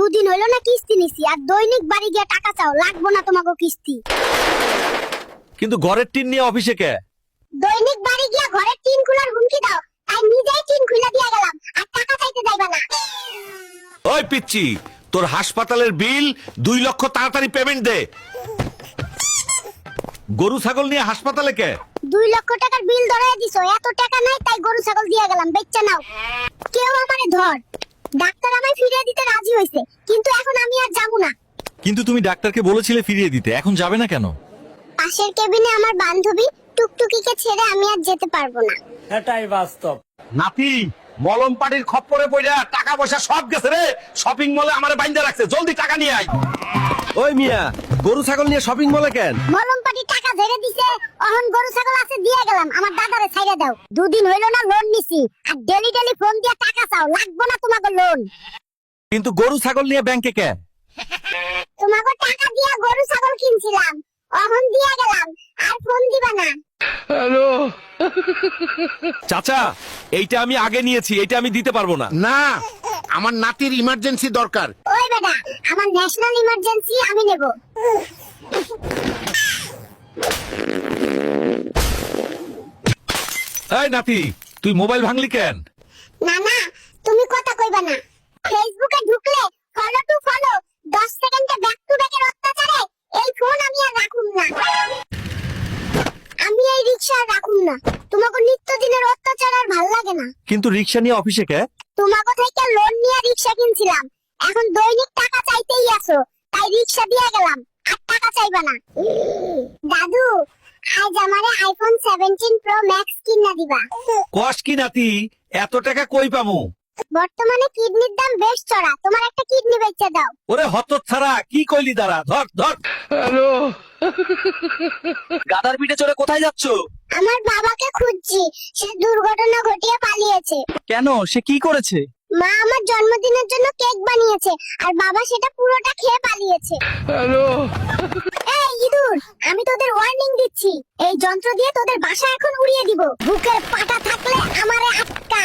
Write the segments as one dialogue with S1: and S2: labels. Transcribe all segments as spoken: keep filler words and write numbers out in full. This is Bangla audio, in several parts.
S1: দুদিন হইলো না কিস্তি নিছি, আর দৈনিক বাড়ি গিয়ে টাকা চাও, লাগবো না তোমাকে কিস্তি।
S2: কিন্তু ঘরের টিন নিয়ে অফিসে কে?
S1: দৈনিক বাড়ি গিয়া ঘরের টিন খোলার হুমকি দাও, তাই নিজেই টিন খুলে দিয়ে গেলাম, আর টাকা চাইতে যাইবা না।
S2: ওই পিচ্চি, তোর হাসপাতালের বিল দুই লক্ষ তাড়াতাড়ি পেমেন্ট দে। গরু ছাগল নিয়ে হাসপাতালে কে?
S1: দুই লক্ষ টাকার বিল ধরাই দিছো, এত টাকা নাই তাই গরু ছাগল দিয়ে গেলাম, বেচ্চা নাও। কেউ আমারে ধর। ডাক্তার আমায় ফিরিয়ে দিতে রাজি হইছে, কিন্তু এখন আমি আর যাবো না।
S2: কিন্তু তুমি ডাক্তারকে বলেছিলে ফিরিয়ে দিতে, এখন যাবে না কেন?
S1: পাশের কেবিনে আমার বান্ধবী টুকটুকিকে ছেড়ে আমি আর যেতে পারবো না।
S3: এটাই বাস্তব।
S2: নাতি, মলম পাটির খপ্পরে পড়া টাকা পয়সা সব গেছে রে। শপিং মলে আমারে বাইন্ধা রাখছে, জলদি টাকা নিয়ে আয়। ওই মিয়া, গরু ছাগল নিয়ে শপিং মলে কেন?
S1: মলম পাটি টাকা ঝেড়ে দিছে, অহন গরু ছাগল আছে দিয়ে গেলাম, আমার দাদারে ছাইড়া দাও। দুদিন হইলো না লোন নিছি, আর ডেলি ডেলি ফোন দিয়া টাকা চাও, লাগবো না তোমাকে লোন।
S2: কিন্তু গরু ছাগল নিয়ে ব্যাংকে কে?
S1: তোমাকে টাকা দিয়া গরু ছাগল কিনছিলাম, অহন দিয়ে গেলাম, আর ফোন দিবা না।
S2: চাচা, এইটা আমি আগে নিয়েছি, এইটা আমি দিতে পারবো না।
S4: না, আমার নাতির ইমার্জেন্সি দরকার।
S1: ওই বেটা, আমার ন্যাশনাল ইমার্জেন্সি, আমি নেব।
S2: এই নাতি, তুই মোবাইল ভাঙলি কেন?
S1: না না, তুমি কথা কইবা না। ফেসবুকে ঢুকলে ফলো টু ফলো, দশ সেকেন্ডে ব্যাক টু ব্যাকের অত্যাচারে এই ফোন আমি আর রাখুম না। আমি এই রিকশা আর রাখুম না, তোমাকে নিত্যদিনের অত্যাচার আর ভাল লাগে না।
S2: কিন্তু রিক্সা নিয়ে অফিসে কে?
S1: তোমাকে থেকে লোন নিয়ে রিকশা কিনছিলাম, এখন দৈনিক টাকা চাইতেই আসো, তাই রিকশা দিয়ে গেলাম, আর টাকা চাইবা না। দাদু, আজ আমারে আইফোন সেভেন্টিন প্রো ম্যাক্স কিনা দিবা।
S2: কস কি নাতি, এত টাকা কই পামু?
S1: বর্তমানে কিডনির দাম বেশ চড়া, তোমার একটা কিডনি বেচে দাও।
S2: ওরে হতচ্ছাড়া, কি কইলি দাঁড়া, ধর ধর। হ্যালো, গাদার পিঠে চড়ে কোথায় যাচ্ছ?
S1: আমার বাবাকে খুঁজছি, সে দুর্ঘটনা ঘটিয়ে পালিয়েছে।
S2: কেন, সে কি করেছে?
S1: মা আমার জন্মদিনের জন্য কেক বানিয়েছে, আর বাবা সেটা পুরোটা খেয়ে পালিয়েছে।
S2: হ্যালো,
S1: এই ইঁদুর, আমি তোদের ওয়ার্নিং দিচ্ছি, এই যন্ত্র দিয়ে তোদের বাসা এখন উড়িয়ে দিব। বুকের পাটা থাকলে আমারে আটকা।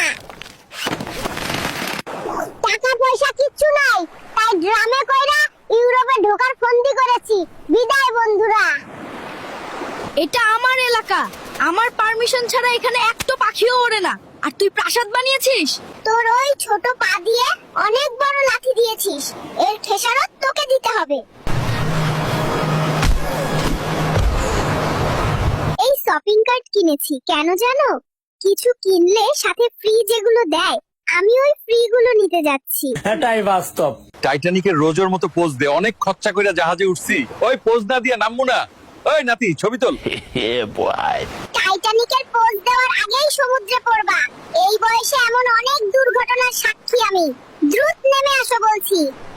S1: টাকা পয়সা কিচ্ছু নাই, তাই ড্রামে কইরা ইউরোপে ঢোকার ফন্দি করেছি। বিদায় বন্ধুরা।
S5: এটা আমার এলাকা, আমার পারমিশন ছাড়া এখানে একটা পাখিও ওড়ে না, আর তুই প্রাসাদ বানিয়েছিস?
S1: তোর ওই ছোট পা দিয়ে অনেক বড় লাঠি দিয়েছিস, এর খেসারত তোকে দিতে হবে। এই শপিং কার্ট কিনেছি, কেন জানো? কিছু কিনলে সাথে ফ্রি যেগুলো দেয়, আমি ওই ফ্রি গুলো নিতে যাচ্ছি।
S3: এটাই বাস্তব।
S2: টাইটানিকের রোজের মতো পোজ দে, অনেক খরচা কইরা জাহাজে উঠছি, ওই পোজ না দিয়ে নামবো না। ওই নাতি, ছবি তোল।
S1: টাইটানিকের পোজ দেওয়ার আগেই সমুদ্রে পড়বা, এই বয়সে এমন অনেক দুর্ঘটনার সাক্ষী আমি। দ্রুত নেমে আসো বলছি।